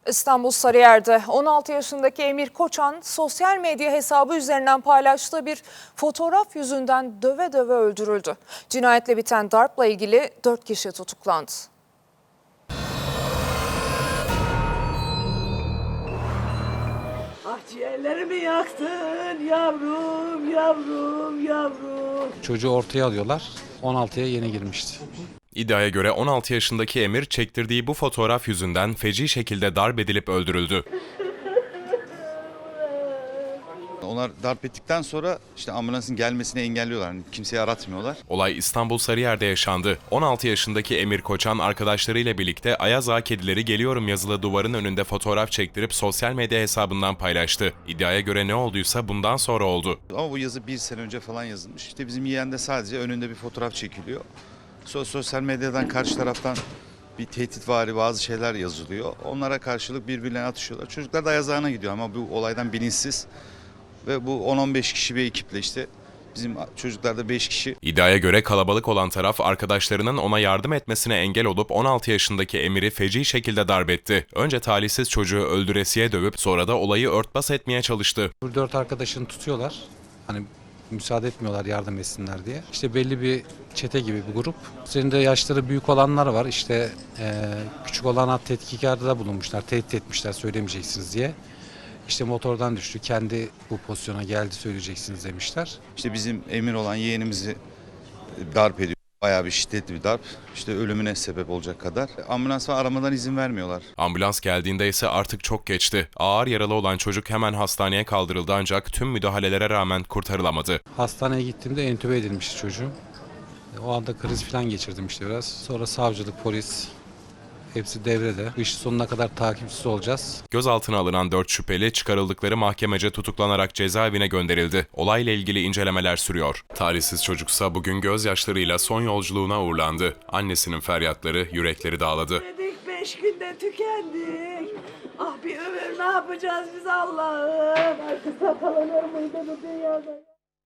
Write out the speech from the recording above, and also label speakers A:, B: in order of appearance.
A: İstanbul Sarıyer'de 16 yaşındaki Emir Koçan sosyal medya hesabı üzerinden paylaştığı bir fotoğraf yüzünden döve döve öldürüldü. Cinayetle biten darpla ilgili 4 kişi tutuklandı.
B: Ah ciğerlerimi yaktın yavrum, yavrum, yavrum.
C: Çocuğu ortaya alıyorlar. 16'ya yeni girmişti.
D: İddiaya göre 16 yaşındaki Emir çektirdiği bu fotoğraf yüzünden feci şekilde darp edilip öldürüldü.
E: Onlar darp ettikten sonra işte ambulansın gelmesini engelliyorlar. Yani kimseyi aratmıyorlar.
D: Olay İstanbul Sarıyer'de yaşandı. 16 yaşındaki Emir Koçan arkadaşlarıyla birlikte Ayaz Ağa Kedileri Geliyorum yazılı duvarın önünde fotoğraf çektirip sosyal medya hesabından paylaştı. İddiaya göre ne olduysa bundan sonra oldu.
E: Ama bu yazı 1 sene önce falan yazılmış. İşte bizim yeğen de sadece önünde bir fotoğraf çekiliyor. Sosyal medyadan karşı taraftan bir tehditvari bazı şeyler yazılıyor. Onlara karşılık birbirlerine atışıyorlar. Çocuklar da Ayaz Ağa'na gidiyor ama bu olaydan bilinçsiz. Ve bu 10-15 kişi bir ekiple işte bizim çocuklar da 5 kişi.
D: İddiaya göre kalabalık olan taraf arkadaşlarının ona yardım etmesine engel olup 16 yaşındaki Emir'i feci şekilde darp etti. Önce talihsiz çocuğu öldüresiye dövüp sonra da olayı örtbas etmeye çalıştı.
C: 4 arkadaşını tutuyorlar. Hani müsaade etmiyorlar yardım etsinler diye. İşte belli bir çete gibi bir grup. Üzerinde yaşları büyük olanlar var. İşte küçük olana tetkikarda bulunmuşlar. Tehdit etmişler söylemeyeceksiniz diye. İşte motordan düştü. Kendi bu pozisyona geldi söyleyeceksiniz demişler.
E: İşte bizim Emir olan yeğenimizi darp ediyor. Bayağı bir şiddetli bir darp. İşte ölümüne sebep olacak kadar. Ambulans ve aramadan izin vermiyorlar.
D: Ambulans geldiğinde ise artık çok geçti. Ağır yaralı olan çocuk hemen hastaneye kaldırıldı ancak tüm müdahalelere rağmen kurtarılamadı.
C: Hastaneye gittiğimde entübe edilmişti çocuğum. O anda kriz falan geçirdim işte biraz. Sonra savcılık, polis hepsi devrede. Bu işin sonuna kadar takipçisi olacağız.
D: Gözaltına alınan 4 şüpheli çıkarıldıkları mahkemece tutuklanarak cezaevine gönderildi. Olayla ilgili incelemeler sürüyor. Talihsiz çocuksa bugün gözyaşlarıyla son yolculuğuna uğurlandı. Annesinin feryatları yürekleri dağladı.
B: Dedik 5 günde tükendik. Ah bir ömür ne yapacağız biz Allah'ım. Artık sakalanır mıydı bu dünyada?